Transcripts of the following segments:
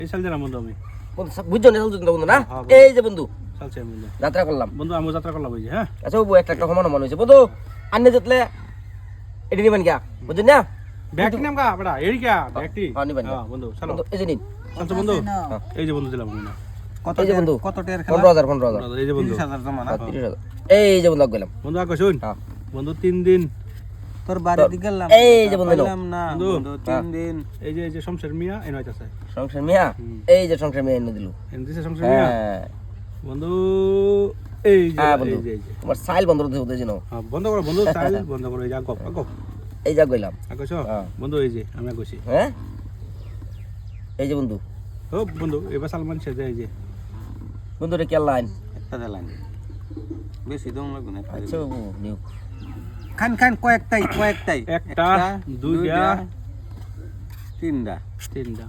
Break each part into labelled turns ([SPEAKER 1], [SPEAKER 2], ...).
[SPEAKER 1] এই সাল দিলাম বন্ধু আমি
[SPEAKER 2] বুঝছো না বন্ধু না এই যে বন্ধু
[SPEAKER 1] চলছে বন্ধু
[SPEAKER 2] যাত্রা করলাম
[SPEAKER 1] বন্ধু আমি যাত্রা করলাম ওই যে হ্যাঁ
[SPEAKER 2] আচ্ছা বাবু একটা সমান মনে হয়েছে বন্ধু আন্নে যেতলে এটি নিবেন গা বুঝছেন না
[SPEAKER 1] ব্যাগটি নাম কা বড়া এরি কা ব্যাগটি
[SPEAKER 2] নিবেন
[SPEAKER 1] হ্যাঁ বন্ধু চলো
[SPEAKER 2] এই যে নিন
[SPEAKER 1] চলছে বন্ধু এই যে বন্ধু দিলাম বন্ধু
[SPEAKER 2] কত এই যে বন্ধু
[SPEAKER 3] কত টাকার খেলা
[SPEAKER 2] 15000
[SPEAKER 1] এই যে বন্ধু
[SPEAKER 3] 30000 জমা না
[SPEAKER 2] 30000 এই যে বন্ধু গেলাম
[SPEAKER 1] বন্ধু আগে শুন
[SPEAKER 2] হ্যাঁ
[SPEAKER 1] বন্ধু 3 দিন
[SPEAKER 3] তোর বাড়ি দিকে গেলাম
[SPEAKER 2] এই যে বন্ধু
[SPEAKER 3] গেলাম না বন্ধু 3 দিন
[SPEAKER 1] এই যে শমশের মিয়া এনে আছে
[SPEAKER 2] সংসার মিয়া এই যে সংসার মিয়া এনে দিল
[SPEAKER 1] এনে দিছে শমশের মিয়া
[SPEAKER 2] হ্যাঁ
[SPEAKER 1] বন্ধু এই যে
[SPEAKER 2] বন্ধু
[SPEAKER 1] এই যে
[SPEAKER 2] তোমার সাইল বন্ধ করতে দিনো
[SPEAKER 1] হ্যাঁ বন্ধ করো বন্ধু চাল বন্ধ করো এই যে গপ গপ
[SPEAKER 2] এই যা গইলাম
[SPEAKER 1] আগছো বন্ধু এই যে আমি আগছি
[SPEAKER 2] হ্যাঁ এই যে বন্ধু
[SPEAKER 1] ও বন্ধু এবার সালমান শেখ এই যে
[SPEAKER 2] বন্ধু রে কি লাইন
[SPEAKER 3] একটা দেলাইন বেশি দম লাগবে না
[SPEAKER 2] আচ্ছা বাবু নিউ
[SPEAKER 3] খান খান কয়েকটাই
[SPEAKER 1] একটা দুইটা
[SPEAKER 3] তিনটা
[SPEAKER 1] তিনটা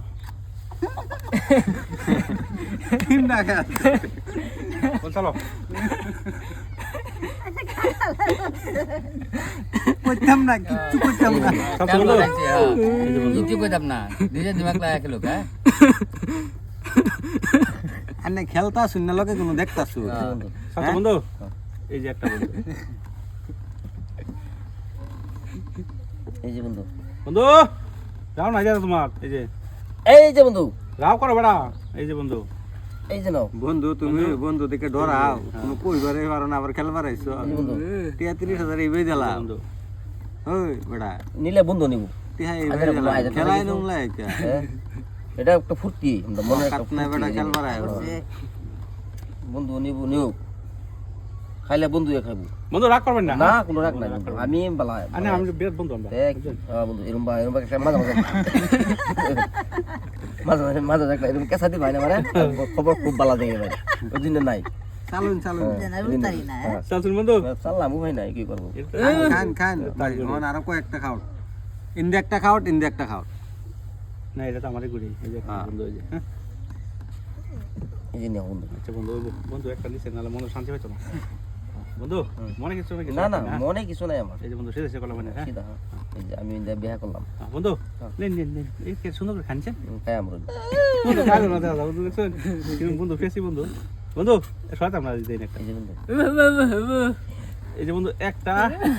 [SPEAKER 3] তিনটা খান
[SPEAKER 1] বল চলো
[SPEAKER 3] কইতাম না কিচ্ছু কইতাম না
[SPEAKER 1] চলছে বন্ধু
[SPEAKER 4] কিছু কইতাম না নিজে দিমাগ লাগা খেলো কা
[SPEAKER 3] আন্নে খেলতা শুন না লগে কোনো দেখতাছু
[SPEAKER 1] চলছে বন্ধু এই যে একটা বন্ধু
[SPEAKER 2] এই যে বন্ধু
[SPEAKER 1] বন্ধু যাও না যা তোমার
[SPEAKER 2] এই যে বন্ধু
[SPEAKER 1] রাও করো বড়া এই যে বন্ধু
[SPEAKER 2] এই যে নাও
[SPEAKER 3] বন্ধু তুমি বন্ধু দেখে ডরাও কোনো কইবারে পারো না আবার খেলবার আইছো
[SPEAKER 2] বন্ধু
[SPEAKER 3] 33000 এইবাই দিলাম
[SPEAKER 1] বন্ধু
[SPEAKER 3] ওই বড়া
[SPEAKER 2] নিলে বন্ধু নিব
[SPEAKER 3] তিহা এইবাই দিলাম খেলাই নম লাইকা
[SPEAKER 2] এটা একটা ফুর্তি আমরা মনে একটা
[SPEAKER 3] কাটনা বড়া খেলবার আইবো
[SPEAKER 2] বন্ধু নিব নিও খাইলে বন্ধু খাইবো
[SPEAKER 1] বন্ধু রাগ করবেন না
[SPEAKER 2] না কোনো রাগ নাই বন্ধু আমি বালা
[SPEAKER 1] আনে আমি বিরাট বন্ধু আমরা
[SPEAKER 2] দেখ বন্ধু এরম একটা মাঝে মাঝে একটা এরম কেসা দি ভাই না মানে খবর খুব ভালো দেখে ভাই ওই দিন নাই
[SPEAKER 3] চালুন
[SPEAKER 1] চলছেন বন্ধু
[SPEAKER 2] চাললাম ভাই নাই কি করবো
[SPEAKER 3] খান মন আরো কয়েকটা খাও ইন্দে একটা খাও
[SPEAKER 1] না এটা তো আমারই গুড়ি এই যে বন্ধু এই যে হ্যাঁ
[SPEAKER 2] এই যে নিও বন্ধু
[SPEAKER 1] আচ্ছা বন্ধু বন্ধু একটা নিচে নালে মনে শান্তি পাইতো না বন্ধু মনে কিছু নাকি
[SPEAKER 2] না না মনে কিছু নাই আমার
[SPEAKER 1] এই যে বন্ধু সেটা করলাম মানে হ্যাঁ
[SPEAKER 2] সিধা এই যে আমি বিয়ে করলাম
[SPEAKER 1] বন্ধু নেন এই কে সুন্দর করে খানছেন
[SPEAKER 2] খাই আমরা
[SPEAKER 1] বন্ধু কালো না দাদা বন্ধু দেখছেন কিন্তু বন্ধু ফেসি বন্ধু বন্ধু শয়তান না দিই একটা
[SPEAKER 2] এই যে বন্ধু
[SPEAKER 1] এই যে বন্ধু একটা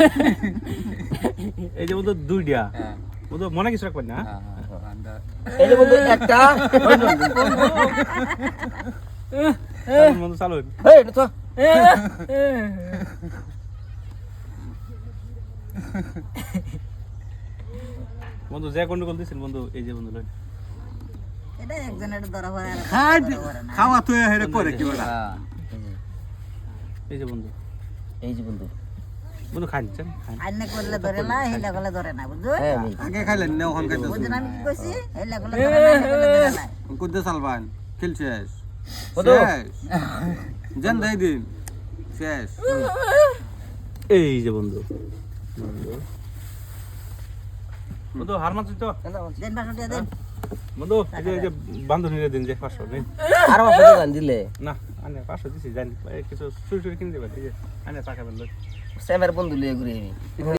[SPEAKER 1] এই যে বন্ধু দুইটা বন্ধু মনে কিছু রাখবেন না
[SPEAKER 2] এই যে বন্ধু একটা
[SPEAKER 1] বন্ধু চালুন
[SPEAKER 2] এই এটা তো
[SPEAKER 1] বন্ধু যে গন্ডগোল দিছেন বন্ধু এই যে বন্ধু লইন
[SPEAKER 5] এটা একজনের ধরা পড়ে আর
[SPEAKER 3] খাওয়া তো হেরে করে কি বড়া
[SPEAKER 1] এই যে বন্ধু বন্ধু খানছেন খান
[SPEAKER 5] আইনে করলে ধরে না হেলা করলে ধরে না বুঝছো
[SPEAKER 2] হ্যাঁ
[SPEAKER 3] আগে খাইলেন না ওখান খাইতে
[SPEAKER 5] বুঝছেন আমি কি কইছি হেলা করলে ধরে না হেলা করলে ধরে না
[SPEAKER 3] কুদ্দে সালবান খেলছিস
[SPEAKER 2] বন্ধু
[SPEAKER 3] জান দেই দিন শেষ
[SPEAKER 1] এই যে বন্ধু বন্ধু হার মানছেন তো
[SPEAKER 5] দেন 500 টাকা দেন
[SPEAKER 1] বন্ধু এই যে বান্ধবীরা দিন যে 500 নেই
[SPEAKER 2] আর আমার সাথে গান দিলে
[SPEAKER 1] না আনে 500 দিছি জানি কিছু চুরি কিনে দেবেন এই যে আনে টাকা বেন
[SPEAKER 2] সেমের বন্ধু লিয়ে ঘুরে আমি